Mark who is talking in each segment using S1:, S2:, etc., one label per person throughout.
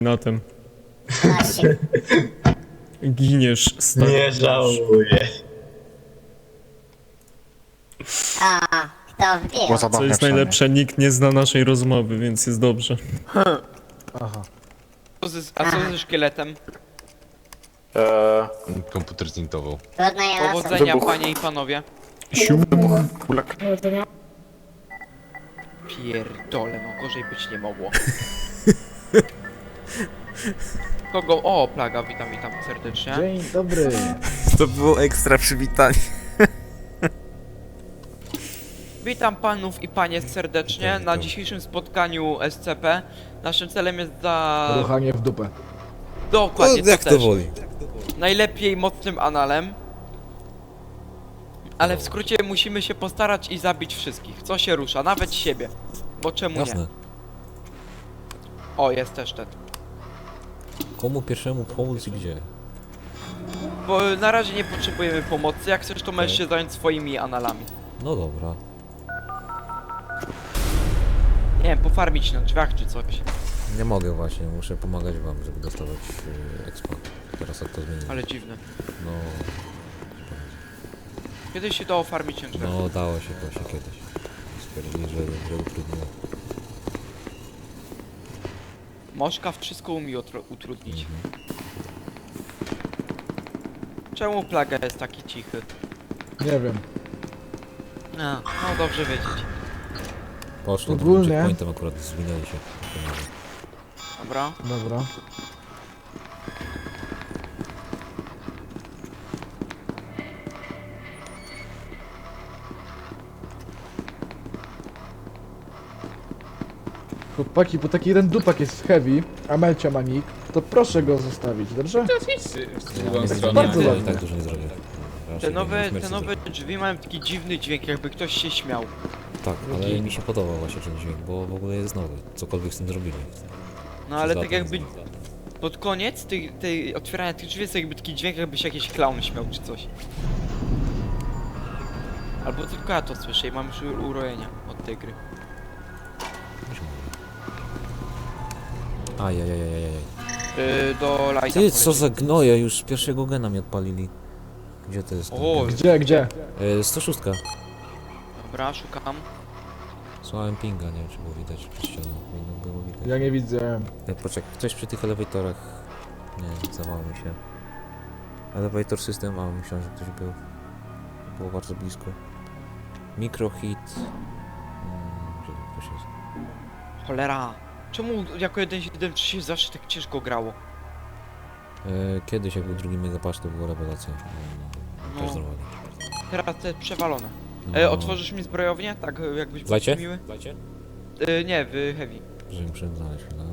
S1: na tym.
S2: Właśnie.
S1: Giniesz, stary.
S3: Nie żałuję.
S2: A, kto wbił?
S1: Co jest najlepsze, nikt nie zna naszej rozmowy, więc jest dobrze.
S4: Aha.
S5: A co ze szkieletem?
S6: Komputer zintował.
S2: Trudno je losu.
S5: Powodzenia, panie i panowie.
S1: Sium.
S5: Pierdole, no gorzej być nie mogło. Kogo? O, plaga, witam, witam serdecznie.
S4: Dzień dobry.
S7: To było ekstra przywitanie.
S5: Witam panów i panie serdecznie na dzisiejszym spotkaniu SCP. Naszym celem jest
S4: Ruchanie w dupę.
S5: Dokładnie,
S7: Jak
S5: to
S7: to
S5: też.
S7: woli.
S5: Najlepiej mocnym analem. Ale w skrócie musimy się postarać i zabić wszystkich, co się rusza, nawet siebie. Bo czemu
S7: Jasne.
S5: nie? O, jest też ten.
S7: Komu pierwszemu pomóc i gdzie?
S5: Bo na razie nie potrzebujemy pomocy, jak chcesz to możesz się zająć swoimi analami.
S7: No dobra.
S5: Nie wiem, pofarmić na drzwiach czy coś.
S7: Nie mogę właśnie, muszę pomagać wam, żeby dostawać expo. Teraz jak to zmienić.
S5: Ale dziwne.
S7: No,
S5: Kiedyś się dało farmić na drzwiach.
S7: no dało się właśnie kiedyś. Stwierdzili, że utrudniło.
S5: Moszka wszystko umie utrudnić. Czemu plaga jest taki cichy?
S4: Nie wiem.
S5: A, no dobrze wiedzieć.
S7: Poszło,
S4: Ogólnie.
S7: tym checkpointem akurat zwinęli się.
S5: Dobra.
S4: Dobra. Chłopaki, bo taki jeden dupak jest heavy, a Melcia ma nick, to proszę go zostawić, dobrze? Bardzo
S7: Ja i
S4: ładnie.
S7: tak dużo nie zrobię.
S5: Te nowe drzwi mają taki dziwny dźwięk, jakby ktoś się śmiał.
S7: Tak, ale mi się podoba właśnie ten dźwięk, bo w ogóle jest nowy. Cokolwiek z tym zrobili.
S5: No ale
S7: Za
S5: tak
S7: to
S5: jakby
S7: jest
S5: pod koniec tej otwierania tych drzwi jest jakby taki dźwięk, jakby się jakiś clown śmiał czy coś. Albo tylko ja to słyszę i mam już urojenia od tej gry.
S7: Ajajajajajaj.
S5: Do lighta
S7: Ty, co
S5: poleci.
S7: za gnoje, już pierwszego gena mi odpalili. Gdzie to jest? ten
S5: O,
S7: gen?
S4: Gdzie?
S7: 106.
S5: dobra, szukam.
S7: Słałem pinga, nie wiem czy było widać przez ścianą. Powinno było widać.
S4: Ja nie widzę.
S7: Poczekaj, ktoś przy tych elewatorach... Nie, zawało mi się. Elevator system, a myślałem, że ktoś był. Było bardzo blisko. Microhit... Gdzie tu ktoś jest?
S5: Cholera. Czemu jako 1.7 się zawsze tak ciężko grało?
S7: Kiedyś jak był drugi megapatch to była rewelacja. Też
S5: No.
S7: normalnie.
S5: Teraz te przewalone.
S7: No.
S5: Otworzysz mi zbrojownię? Tak, jakbyś był
S7: Lajcie?
S5: miły?
S7: Lajcie?
S5: Nie, w heavy.
S7: Że muszę znaleźć, no.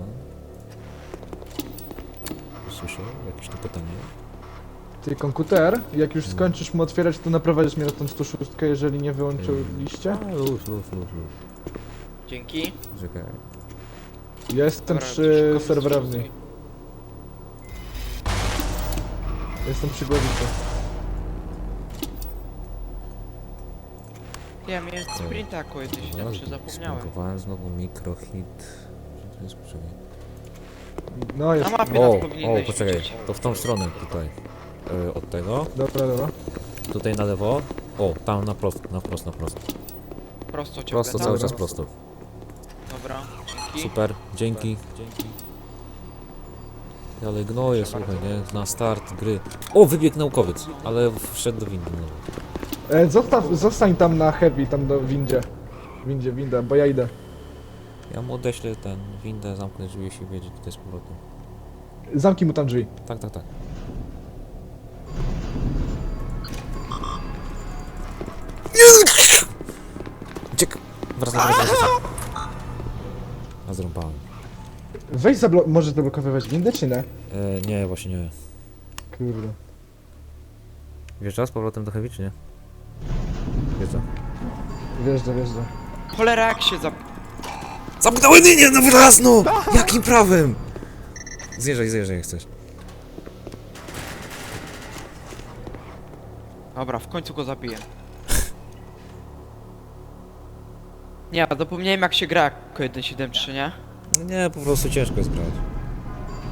S7: Słyszę jakieś tu pytanie.
S4: Ty, komputer, jak już skończysz mu otwierać, to naprowadzisz mnie na tą 106, jeżeli nie wyłączyliście?
S7: A, luz.
S5: Dzięki.
S7: Czekaj.
S4: Ja jestem
S5: Dobra,
S4: przy
S5: szukam
S4: serwerowni.
S5: 106.
S4: Jestem przy głowicy.
S5: Ja miałem sprinta jako 1.7, zapomniałem.
S7: Spankowałem znowu microhit. Gdzie to jest? Poczekaj.
S4: No jest.
S5: Na mapie nas
S7: O,
S5: powinieneś
S7: poczekaj,
S5: widzieć.
S7: to w tą stronę tutaj. Od tego.
S4: Dobra.
S7: Tutaj na lewo. O, tam na prosto, na prosto.
S5: Prosto ciągle,
S7: Prosto,
S5: tak?
S7: cały czas prosto.
S5: Dobra, dzięki.
S7: Super, dzięki. Ale gnoje, słuchaj, nie? Na start gry. O, wybiegł naukowiec, ale wszedł do windy.
S4: Zostań tam na heavy, tam do winda, bo ja idę.
S7: Ja mu odeślę ten windę, zamknę drzwi, jeśli wiedzie tutaj z powrotem.
S4: Zamknij mu tam drzwi.
S7: Tak. Uciek! Wracam. A zrąbałem.
S4: Weź możesz zablokowywać windę, czy nie?
S7: Nie, właśnie nie.
S4: Kurde.
S7: Wjeżdża z powrotem do heavy, czy nie? Wjeżdża.
S4: Wjeżdża.
S5: Cholera, jak się
S7: Zamknąłem linię, no wyraz, no! Jakim prawem? Zjeżdżaj jak chcesz.
S5: Dobra, w końcu go zabiję. Nie, zapomniałem jak się gra jako 1.7.3, nie?
S7: No nie, po prostu ciężko jest grać.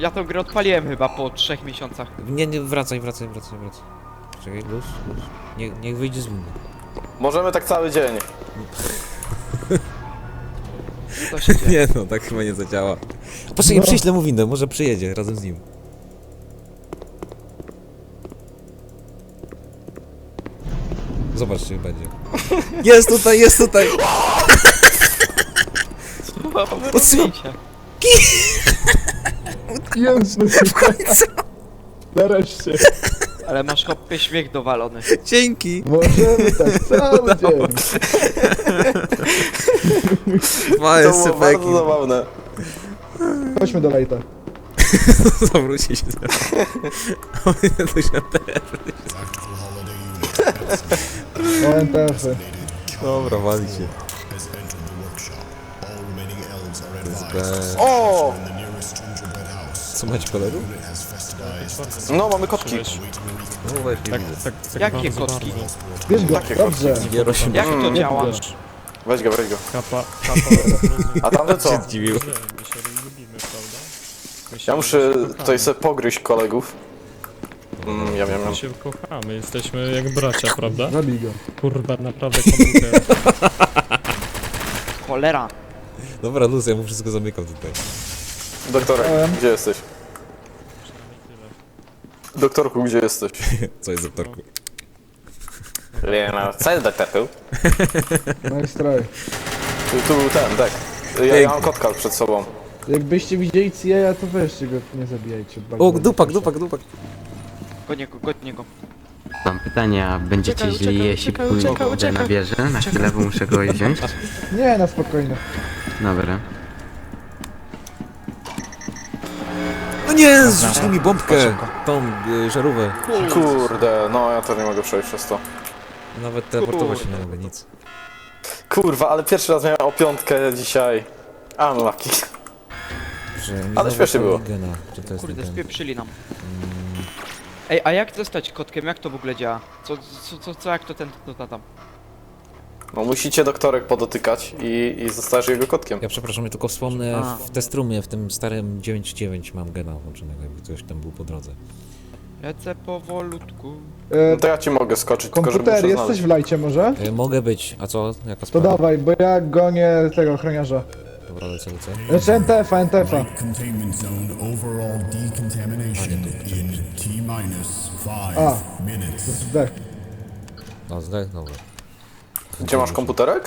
S5: Ja tą grę odpaliłem chyba po 3 miesiącach.
S7: Nie, wracaj. Czekaj, luz. Niech wyjdzie z windy.
S3: Możemy tak cały dzień.
S5: Co się dzieje?
S7: Nie no, tak chyba nie zadziała. Poczekaj, przyślę mu windę, może przyjedzie razem z nim. Zobacz, czy będzie. Jest tutaj! Odsyłam.
S4: Jezus, w końcu. Nareszcie.
S5: Ale masz hopie śmiech dowalony.
S7: Dzięki!
S4: Możemy tak cały dzień.
S7: Małe
S3: To było bardzo zabawne.
S4: Chodźmy do lejta.
S7: Zawróci się teraz. To się
S4: ONTF-y.
S7: Dobra, wali się.
S3: O!
S7: Co macie kolegów?
S3: No, mamy kotki.
S7: No właśnie
S1: Tak,
S7: widzę.
S1: tak
S5: Jakie
S1: bardzo,
S5: kotki?
S1: bardzo.
S4: Bierz go,
S3: Takie
S4: dobrze.
S7: Gierosimy.
S5: Jak to działa?
S1: Wiesz,
S3: Weź go.
S1: kapa,
S3: A tamte co?
S7: się zdziwił.
S1: My się lubimy, prawda? My się-
S3: Ja muszę
S1: my się
S3: tutaj
S1: kochamy.
S3: sobie pogryźć kolegów. Ja wiem.
S1: My się kochamy, jesteśmy jak bracia, prawda?
S4: Zabij go.
S1: Kurwa, naprawdę komputer.
S5: Cholera.
S7: Dobra, luz, ja mu wszystko zamykam tutaj.
S3: Doktorek, gdzie jesteś? Doktorku, gdzie jesteś?
S7: Co jest doktorku?
S3: Nie no, co jest doktorku?
S4: Nice try.
S3: Tu był ten, tak. Ja mam kotka przed sobą.
S4: Jakbyście widzieli CIA, to weźcie go, nie zabijajcie. Bardzo
S7: O, dupak.
S5: Godnie go.
S6: Mam pytanie, a będziecie źli, jeśli pójdę na wieżę? Na chwilę, bo muszę go wziąć?
S4: Nie, na spokojnie.
S6: Dobra.
S7: No nie, zrzucili mi bombkę! Tą żarówę.
S3: Kurde, no ja też nie mogę przejść przez to.
S7: Nawet teleportować się nie mogę, nic.
S3: Kurwa, ale pierwszy raz miałem o 5 dzisiaj. Unlucky.
S7: Że mi
S3: Ale
S7: znowu
S3: śmiesznie było.
S7: Gena. Czy to jest
S5: Kurde,
S7: ten?
S5: spieprzyli nam. Ej, a jak zostać kotkiem? Jak to w ogóle działa? Co jak to to tam?
S3: No musicie doktorek podotykać i zostajesz jego kotkiem.
S7: Ja przepraszam, ja tylko wspomnę,
S5: A.
S7: w testrumie, w tym starym 9.9 mam gena włączonego, jakby ktoś tam był po drodze.
S5: Lecę powolutku.
S3: No to ja ci mogę skoczyć, tylko żeby
S4: Komputer,
S3: muszę
S4: jesteś
S3: znaleźć.
S4: w lajcie może?
S7: Mogę być, a co? Jaka
S4: To
S7: sprawa?
S4: dawaj, bo ja gonię tego ochroniarza.
S7: Dobra, lecę.
S4: Znaczy NTF-a.
S8: Containment zone overall decontamination in T-minus
S4: A.
S8: 5 minutes.
S4: Zdech.
S7: No, zdech, dobra.
S3: Gdzie masz komputerek?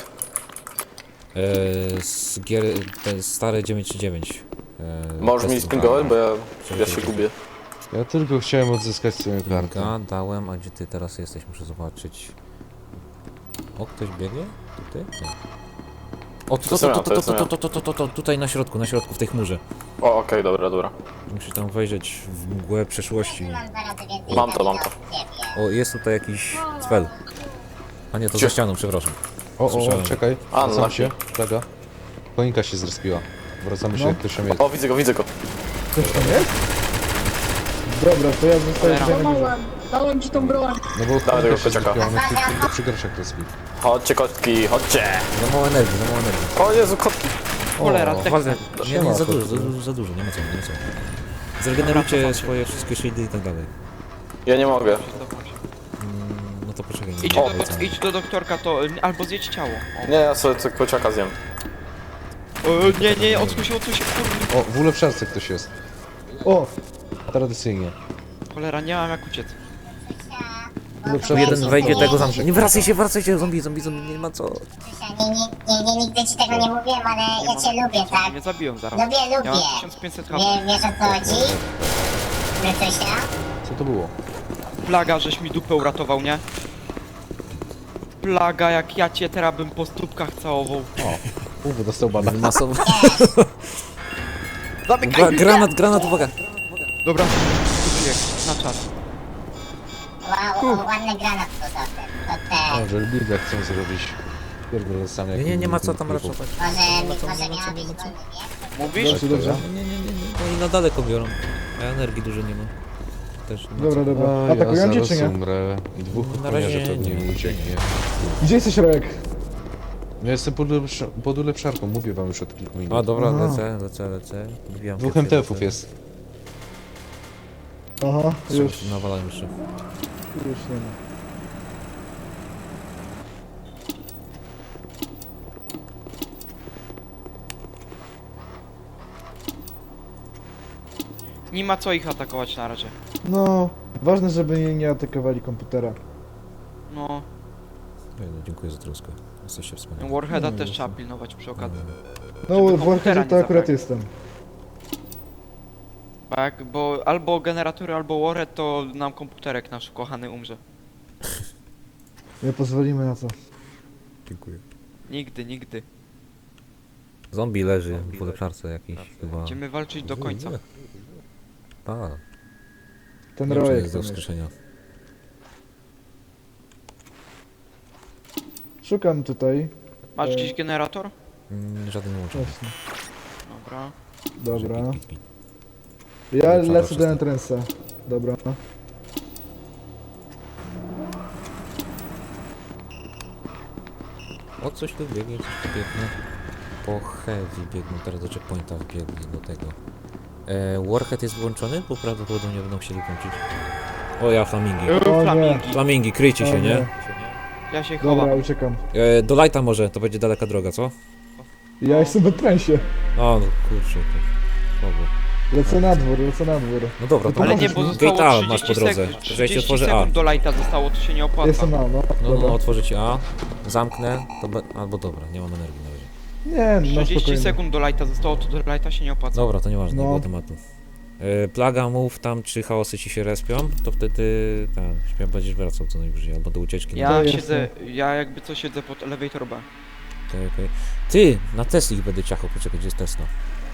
S7: Z gier, te stare 9.9.
S3: Możesz mi spingować, bo ja się gubię.
S9: Ja tylko chciałem odzyskać swoją kartę.
S7: Dałem, a gdzie ty teraz jesteś? Muszę zobaczyć. O, ktoś biegnie? Tutaj? Nie. O, tutaj na środku, w tej chmurze.
S3: O, okej, dobra.
S7: Musisz tam wejrzeć w mgłę przeszłości.
S2: Mam 2 razy więcej
S3: Mam to.
S2: ciebie.
S7: O, jest tutaj jakiś cfel. A nie, to
S3: Gdzie?
S7: za ścianą, przepraszam.
S9: O,
S7: Słyszałem.
S9: czekaj,
S3: A,
S9: wracam
S3: no.
S9: się, czeka. Konika się zrespiła. Wracamy się,
S4: No.
S9: jak ktoś tam jest.
S3: O, widzę go.
S4: Ktoś tam jest? Dobra, to ja zostaję tutaj na górze.
S10: Dałem ci tą broń.
S9: No bo
S3: Dawaj
S9: konika
S3: tego
S9: się
S3: kociaka.
S9: zrespiła, ona się tylko przy groszach respi.
S3: Chodźcie kotki, chodźcie.
S7: Za mało energii.
S3: O Jezu, kotki.
S5: Cholera, tak.
S7: Walne. Nie,
S9: Siema,
S7: za
S9: kotku.
S7: dużo, nie ma co. Zregenerujcie swoje wszystkie shieldy i tak dalej.
S3: Ja nie mogę.
S7: No to poczekaj.
S5: Idź do doktorka, to albo zjedź ciało.
S3: Nie, ja sobie tego kociaka zjem.
S5: O, nie, odsuń się, kurde.
S9: O, w ulepszarce ktoś jest.
S4: O,
S9: Tradycyjnie.
S5: Cholera, nie mam jak uciec.
S4: ulepszarka.
S7: Jeden wejdzie, tego zamknie. Nie wracaj się, zombie, nie ma co.
S2: Nigdy ci tego nie mówiłem, ale ja cię lubię, tak?
S5: Mnie zabiją zaraz.
S2: Lubię.
S5: Ja mam 1500 HP.
S2: Wiesz o co chodzi? Krytysia?
S9: Co to było?
S5: Plaga, żeś mi dupę uratował, nie? Plaga, jak ja cię teraz bym po stópkach całował.
S9: Dostał bana.
S7: Masowo.
S5: Zamykaj!
S7: Granat, uwaga.
S5: Dobra, kupię, na czas.
S2: Wow, ładny granat to ten.
S9: O, że Bilga chcą zrobić. Pierdolę sam jak...
S7: Nie ma co tam raszować.
S2: Może miała być wolny, nie?
S5: Mówisz?
S4: Dobrze, dobrze.
S7: Nie, oni na daleko biorą. A energii dużo nie ma. Też nie ma co.
S4: Dobra.
S9: A,
S4: Atakują
S9: ja
S4: cię
S9: zaraz
S4: czy nie?
S9: umrę i dwóch
S7: Na razie
S9: ochroniarzy pewnie
S7: nie.
S9: mi ucieknie.
S4: Gdzie jesteś, Rojek?
S9: Ja jestem pod ulepszarką, mówię wam już od kilku minut.
S7: A dobra,
S4: Aha.
S7: lecę. Wbijam
S9: Dwóch
S7: pierwszy,
S9: MTF-ów
S7: lecę.
S9: jest.
S4: Aha, już
S7: Nawalają jeszcze.
S4: nie ma.
S5: Nie ma co ich atakować na razie.
S4: No, ważne, żeby nie atakowali komputera.
S5: No,
S7: Ej, no, dziękuję za troskę. Jesteście wspaniali.
S5: Warheada
S4: No,
S5: też
S4: jasne.
S5: trzeba pilnować przy okazji.
S4: No,
S5: Żeby
S4: w
S5: komputera
S4: Warheadzie
S5: nie
S4: to akurat
S5: zabrali.
S4: jestem.
S5: Tak, bo albo generatory, albo Warhead, to nam komputerek nasz kochany umrze.
S4: Nie pozwolimy na to.
S7: Dziękuję.
S5: Nigdy, nigdy.
S7: Zombie leży w ulepszarce jakiś chyba.
S5: Będziemy walczyć do końca.
S7: A,
S4: Ten
S7: nie wiem, czy
S4: rojek
S7: jest do
S4: tam jest.
S7: wskrzeszenia.
S4: Szukam tutaj.
S5: Masz jakiś generator?
S7: Żaden łącznik.
S4: Właśnie.
S5: Dobra.
S4: Dobra.
S7: Pit, pit, pit.
S4: Ja
S7: Lepsza
S4: lecę do
S7: wasza
S4: entrance'a. Dobra.
S7: O, coś tu biegnie, coś tu biegnie. Po heavy biegną, teraz do checkpointa wbiegli do tego. Warhead jest włączony, bo prawdopodobnie będą chcieli włączyć. O ja, flamingi.
S4: O nie.
S5: Flamingi.
S7: Flamingi, kryjcie
S4: O
S7: się, nie?
S4: nie.
S5: Ja się
S4: Dobra,
S5: chowam.
S4: uciekam.
S7: Do lighta może, to będzie daleka droga, co?
S4: Ja jestem w entrance'ie.
S7: O, no kurczę, to słabo.
S4: Lecę na dwór, lecę na dwór.
S7: No dobra, to
S5: Ale
S7: masz.
S5: nie, bo
S7: Gate A
S5: zostało
S7: masz
S5: 30
S7: po drodze.
S5: sekund.
S7: To ja ci
S5: 30
S7: otworzę A.
S5: sekund do lighta zostało, to się nie opłaca.
S4: Jestem na, no.
S7: No,
S4: Dobra.
S7: no, otworzę ci A, zamknę, to albo dobra, nie mam energii na razie.
S4: Nie, no
S5: 30
S4: spokojnie.
S5: sekund do lighta zostało, to do lighta się nie opłaca.
S7: Dobra, to nieważne, nie
S4: No.
S7: było tematu. Plaga, mów tam, czy chaosy ci się respią, to wtedy będziesz wracał co najwyżej, albo do ucieczki.
S5: Ja
S4: No,
S5: siedzę, ja jakby co siedzę pod elevator B.
S7: Okej. Ty, na Tesli ich będę ciachał, poczekaj, gdzie jest Tesla?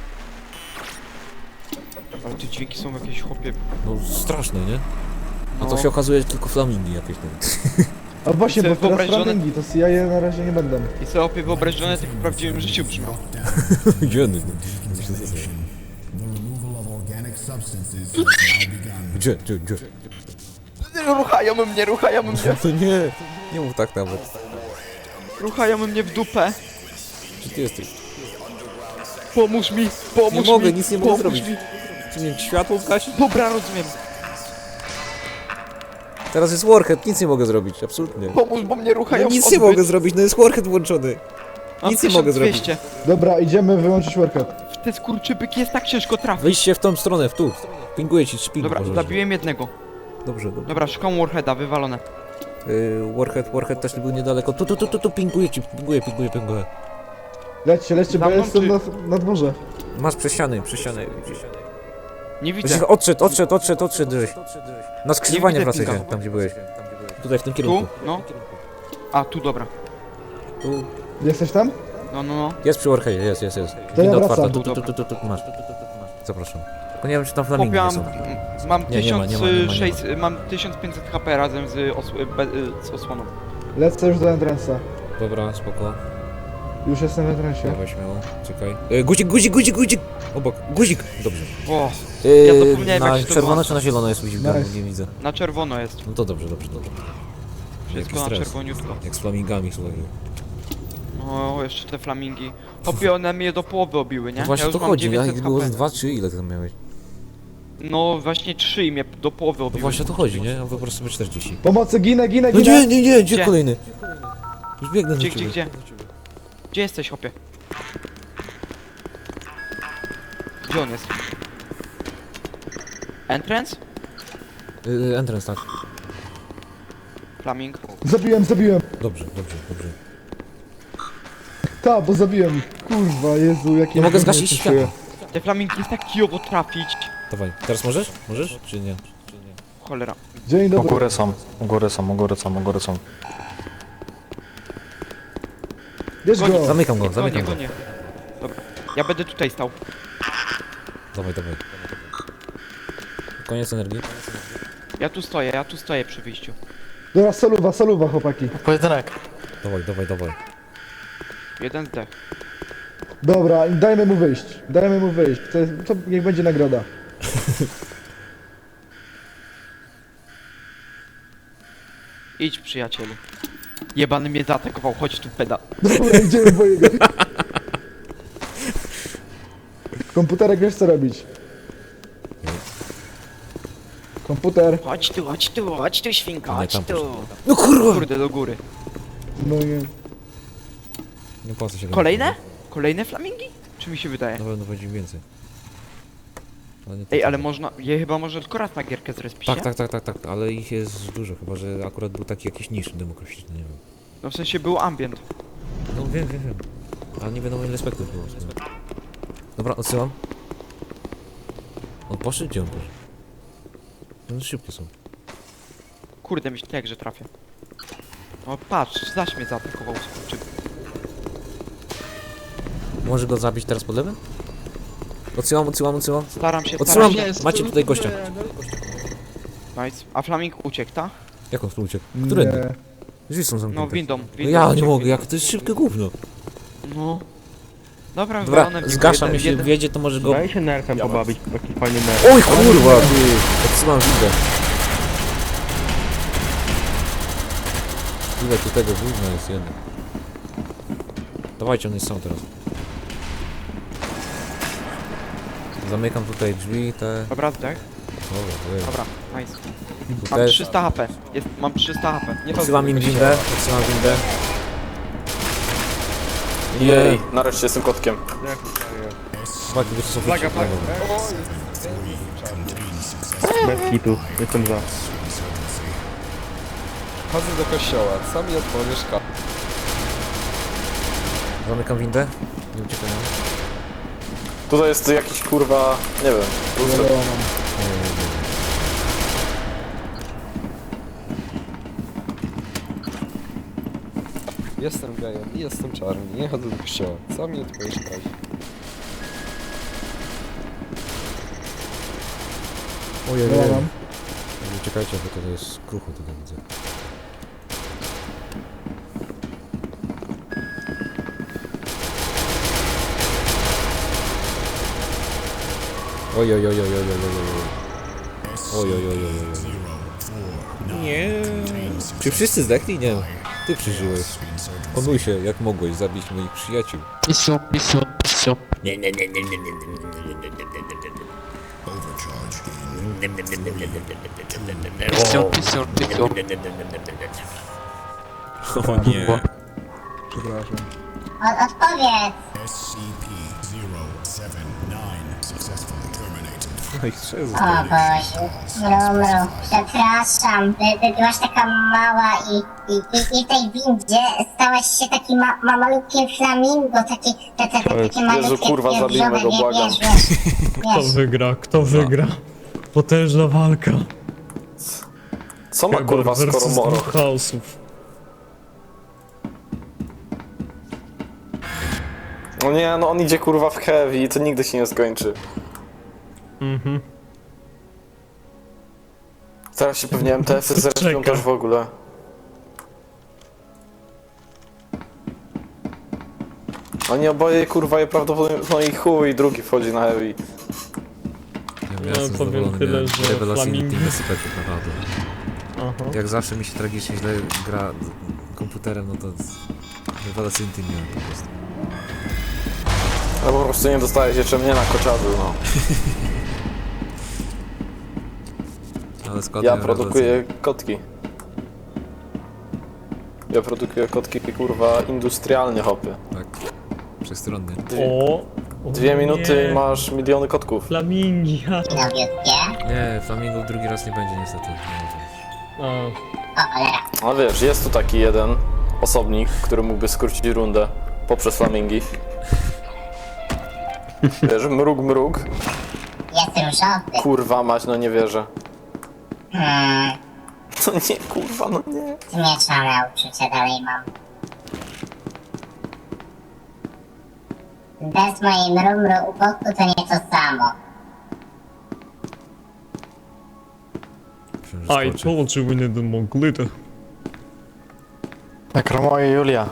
S5: Ale te dźwięki są jakieś chłopie.
S7: No straszne, nie? A
S5: No.
S7: to się okazuje, że tylko flamingi jakieś tam.
S4: A właśnie, bo
S5: Sobie
S4: teraz
S5: wyobraź, że one-
S4: flamingi, to ja je na razie nie będę.
S5: I sobie opie wyobrażone tak w prawdziwym życiu brzmią.
S7: Gdzie one?
S8: The removal of organic substances has now begun.
S7: Gdzie?
S5: Ruchają mnie.
S7: To nie mów tak nawet.
S5: Ruchają mnie w dupę.
S7: Gdzie ty jesteś?
S5: Pomóż mi, pomóż
S7: Nie
S5: mi.
S7: mogę, nic nie mogę
S5: pomóż
S7: zrobić.
S5: Mi.
S7: Czy mnie światło zgasić?
S5: Dobra, rozumiem.
S7: Teraz jest Warhead, nic nie mogę zrobić, absolutnie.
S5: Pomóż, bo mnie ruchają
S7: No nic
S5: w
S7: nie
S5: odbyt.
S7: mogę zrobić, no jest Warhead włączony.
S5: Mam
S7: nic nie mogę zrobić.
S5: 1200.
S4: Dobra, idziemy wyłączyć workout.
S5: W te skurczybyki jest tak ciężko trafić.
S7: Wyjście w tą stronę, w tu. Pinguję ci, szpingu
S5: Dobra,
S7: pożarze.
S5: zabiłem jednego.
S7: Dobrze.
S5: Dobra, szukam Warheada, wywalone.
S7: Warhead też był niedaleko. Tu, pinguję ci, pinguję.
S4: Lećcie,
S5: Za
S4: bo ja
S5: mną,
S4: jestem
S5: czy-
S4: na dworze.
S7: Masz przez ściany.
S5: Nie widzę.
S7: Widzisz, odszedł żeś. Na skrzyżowanie
S5: widzę
S7: wracaj się,
S5: pinga.
S7: tam gdzie byłeś. Tutaj, w tym
S5: Tu?
S7: kierunku.
S5: No. A, tu, dobra.
S7: Tu.
S4: Jesteś tam?
S5: No.
S7: Jest przy Warheadzie, jest.
S4: To ja
S7: Winda
S4: wracam.
S7: otwarta, tu, masz. Zapraszam. Tylko nie wiem, czy tam flamingi
S5: Chłopie,
S7: nie są.
S5: mam
S7: Nie ma.
S5: 1600, mam 1500 HP razem z, z osłoną.
S4: Lecę już do entrance'a.
S7: Dobra, spoko.
S4: Już jestem w entrance'ie.
S7: Dawaj śmiało, czekaj. Guzik! Obok, guzik! Dobrze.
S5: O, Ja zapomniałem, jak
S7: Na
S5: się to
S7: czerwono
S5: włącza.
S7: czy na zielono jest guzik?
S4: Nice.
S7: Nie widzę.
S5: na czerwono jest.
S7: No to dobrze.
S5: Wszystko
S7: Jaki
S5: na
S7: stres.
S5: czerwoniutko.
S7: Jak z flamingami, słuchaj.
S5: No, jeszcze te flamingi. Chłopie, one mnie do połowy obiły, nie?
S7: No właśnie
S5: ja
S7: to
S5: już mam
S7: chodzi, a
S5: 900
S7: ich było z
S5: HP.
S7: 2 czy ile ty tam miałeś?
S5: No, właśnie 3 i mnie do połowy
S7: No
S5: obiły.
S7: właśnie to chodzi, nie? A po prostu sobie 40.
S4: Pomocy, ginę!
S7: No nie, gdzie
S5: Gdzie?
S7: kolejny? Już biegnę
S5: Gdzie,
S7: do ciebie.
S5: gdzie? Gdzie jesteś, chłopie? Gdzie on jest? Entrance?
S7: Entrance, tak.
S5: Flaming.
S4: Zabiłem!
S7: Dobrze.
S4: Ta, bo zabiłem ich. Kurwa, Jezu, jakie...
S7: Nie mogę
S4: gówno
S7: zgasić
S4: się
S7: światła.
S4: czuję.
S5: Te flamingi jest tak kijowo trafić.
S7: Dawaj, teraz możesz? Możesz? Czy nie?
S5: Cholera.
S4: Dzień
S3: U
S4: dobry.
S3: góry są.
S4: Bierz go!
S7: Zamykam go.
S5: Gonię. Dobra. Ja będę tutaj stał.
S7: Dawaj. Koniec energii.
S5: Ja tu stoję przy wyjściu.
S4: Dobra, soluwa, chłopaki.
S3: Pojedynek.
S7: Dawaj.
S5: Jeden zdech.
S4: Dobra, dajmy mu wyjść. To niech będzie nagroda.
S5: Idź, przyjacielu. Jebany mnie zaatakował, chodź tu, peda.
S4: Dobra, idziemy po jego. Komputerek, wiesz co robić. Komputer.
S5: Chodź tu, świnka,
S7: Nie,
S5: chodź
S7: tam
S5: tu.
S7: poszedł. No kurwa!
S5: Kurde, do góry.
S4: No nie.
S7: Nie opłaca się.
S5: Kolejne? Kolejne flamingi? Czy mi się wydaje?
S7: Na pewno będzie więcej. Ale nie
S5: Ej,
S7: tak.
S5: ale można, chyba może tylko raz na gierkę zrespić,
S7: Tak, ale ich jest dużo, chyba że akurat był taki jakiś niż demokratyczny, nie wiem.
S5: No w sensie był ambient.
S7: No wiem. Ale nie wiadomo ile spektów było. Dobra, odsyłam. On poszedł? Gdzie on poszedł? No szybkie są.
S5: Kurde, myślę, że trafię. O, patrz, zaś mnie zaatakował skurczy.
S7: Może go zabić teraz pod lewem? Odsyłam.
S5: Staram się,
S7: Odsyłam!
S5: staram się.
S7: Macie tutaj gościa.
S5: Nice. A flaming uciekł, ta?
S7: Jak on tu uciekł? Którędy?
S4: Nie.
S7: Drzwi są zamknięte.
S5: No, windą.
S7: No ja nie
S5: uciekł.
S7: mogę, jak to jest szybkie gówno.
S5: No. Dobra,
S7: Dobra,
S5: wywalone w niego
S7: zgaszam,
S5: jeden-
S7: jeśli wjedzie to może go...
S10: Daj się nerfem pobawić, taki fajny nerf.
S7: Oj kurwa, ty! Odsyłam windę. Ile tu tego gówna jest jeden. Dawajcie, on jest sam teraz. Zamykam tutaj drzwi, te...
S5: Dobra, zdech.
S7: Dobra,
S5: Dobra, nice.
S7: tu
S5: Mam
S7: też.
S5: 300 HP. Mam 300 HP. Nie
S7: Odsyłam im windę, odsyłam windę.
S3: Jej, nareszcie z tym kotkiem.
S7: Chłopaki, to są flaga.
S10: Bez hitu, jestem za.
S9: Chodzę do kościoła, sam je otworzysz
S7: Zamykam windę. Nie uciekają.
S3: Tutaj jest jakiś kurwa, nie wiem.
S4: Wiadomo.
S9: Jestem gejem i jestem czarny, nie chodzę do kościoła, sam je otworzysz
S7: Ojej,
S4: Wiadomo.
S7: uciekajcie, bo to jest krucho tutaj widzę. Oj. Nie. Czy wszyscy zdechli? Nie. Ty przeżyłeś. Onuj się, jak mogłeś zabić moich przyjaciół. O nie.
S4: Przepraszam.
S2: Odpowiedz.
S8: SCP-079 successfully terminated.
S7: No i trzeba.
S2: O Boże. Mru. Przepraszam. Byłaś taka mała i w tej windzie stałeś się taki malutkim flamingo, takie malutkie
S3: kurwa, zabijmy go, błagam.
S1: Kto wygra? Kto wygra? Potężna walka.
S3: Co ma kurwa skoro
S1: versus
S3: moro?
S1: dwóch chaosów.
S3: No nie, no on idzie kurwa w heavy i to nigdy się nie skończy.
S1: Mhm.
S3: Teraz się pewnie MTF-y zrespią
S1: Czeka.
S3: też w ogóle. Oni oboje kurwa je prawdopodobnie, no i chuj, drugi wchodzi na heavy.
S7: Ja
S1: No,
S7: jestem
S1: powiem
S7: zadowolony,
S1: tyle,
S7: miałem
S1: że
S7: rewelacyjny
S1: flamingi-
S7: team SCP-ów naprawdę.
S1: Aha.
S7: Jak zawsze mi się tragicznie źle gra komputerem, no to rewelacyjny team miałem po prostu.
S3: No po prostu nie dostajesz jeszcze mnie na koczadu, no.
S7: Ale skład
S3: Ja
S7: miałem
S3: produkuję kotki. Ja produkuję kotki kurwa industrialnie hopy.
S7: rewelacyjny. Tak, przestronny.
S1: O!
S3: 2 minuty
S1: nie.
S3: i masz miliony kotków.
S1: Flamingi, ha.
S2: Nowiutkie.
S7: Nie, Flamingo drugi raz nie będzie niestety. Nie może.
S1: A,
S2: O cholera.
S3: No wiesz, jest tu taki jeden osobnik, który mógłby skrócić rundę poprzez flamingi. Wiesz, mrug.
S2: Jest różowy.
S3: Kurwa mać, no nie wierzę.
S2: Hmm.
S3: No nie, kurwa, no nie.
S2: Zmieszane uczucia dalej mam. Bez mojej mru u boku to nie to samo.
S7: Myślałem, że
S1: I
S7: skoczy.
S1: told you we needed more glitter.
S3: Nekromoje Julia.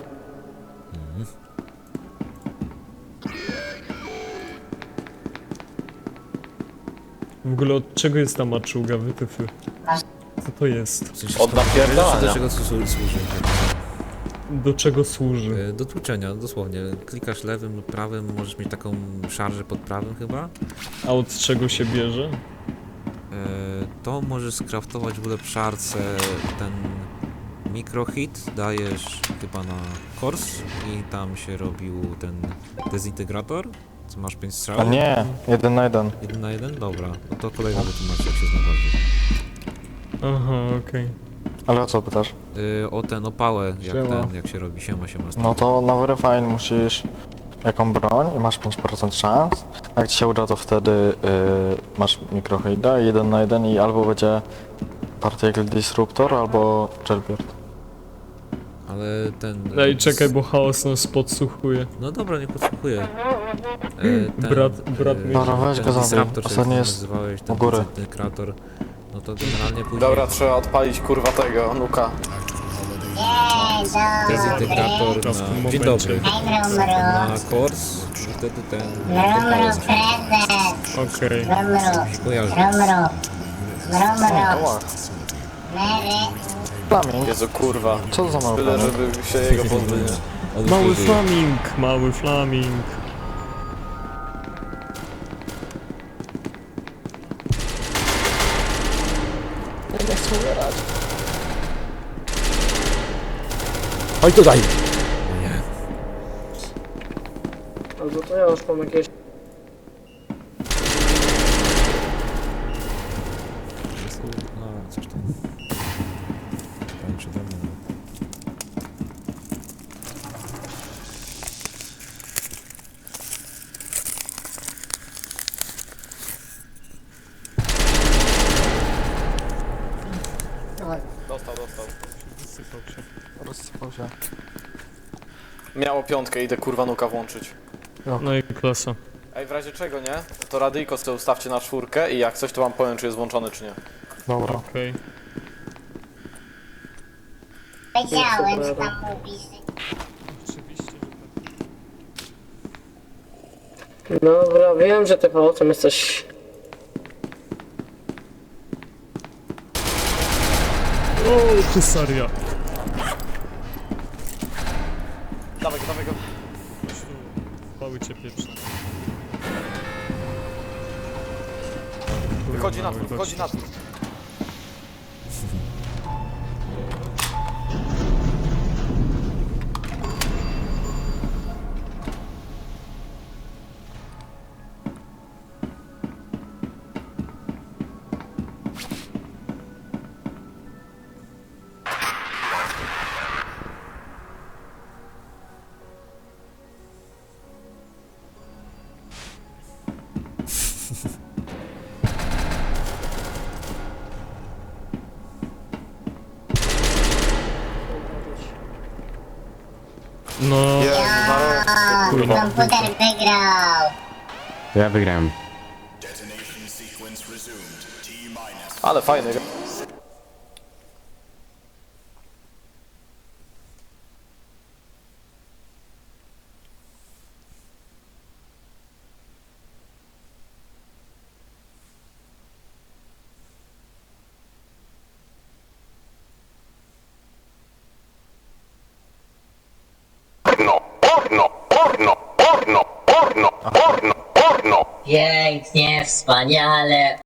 S1: W ogóle od czego jest ta maczuga, wytyfy? Co to jest?
S7: W sensie,
S3: Od napierdalania.
S7: do czego służy?
S1: Do czego służy?
S7: Do tłuczenia, dosłownie. Klikasz lewym lub prawym, możesz mieć taką szarżę pod prawym chyba.
S1: A od czego się bierze?
S7: to możesz skraftować w ulepszarce ten mikrohit, dajesz chyba na kors i tam się robił ten dezintegrator, co masz 5 strzał.
S3: A nie, 1 na 1.
S7: 1 na 1? Dobra, no to kolega wytłumaczy jak się zna bardziej.
S1: Aha, okej.
S3: Ale o co pytasz?
S7: O ten opałę,
S4: Siema.
S7: jak się robi, siema.
S3: No to na Verifine musisz jaką broń i masz 5% szans. Jak ci się uda, to wtedy masz mikrohida 1 na 1 i albo będzie Particle Disruptor, albo Jailbird.
S7: Ale ten...
S1: Ej, czekaj, bo chaos nas podsłuchuje.
S7: No dobra, nie podsłuchuję.
S1: Brat mnie-
S3: Dobra, weź go zabij. Ostatni jest
S7: nazywałeś, ten
S3: u góry.
S7: dezintegrator, no to generalnie później...
S3: Dobra, trzeba odpalić kurwa tego, nuka.
S7: Dezintegrator
S1: To w tym
S7: na... Dzień
S1: momencie.
S7: dobry. Na kors i wtedy ten...
S2: Mrumru, prezes.
S1: Okej.
S2: Mrumru,
S7: Kojarzy.
S2: mrumru. Mrumru. Mary.
S3: Flaming. Jezu kurwa. Co to za mały Tyle, żeby się jego pozbyć.
S1: Mały flaming, mały flaming.
S4: Oj, to daj!
S7: Nie.
S11: Albo to ja już mam jakieś...
S7: No, coś tam. Tańczy do mnie.
S3: Dostał.
S1: Wysypał się.
S3: Rozsypał się. Miało 5, idę kurwa nuka włączyć.
S1: No i klasa.
S3: Ej, w razie czego, nie? To radyjko sobie ustawcie na 4 i jak coś to wam powiem, czy jest włączony, czy nie. Dobra.
S1: Okej.
S2: Wiedziałem, że tam mówisz.
S1: Oczywiście, że tak.
S11: Dobra, wiem, że ty pałacem jesteś...
S1: O, husaria.
S3: Dawaj go.
S1: Mały cię pieprzny.
S3: Wychodzi na dwór.
S1: No,
S2: O, komputer wygrał.
S6: Ja wygrałem.
S3: Ale fajny.
S2: Pięknie, wspaniale.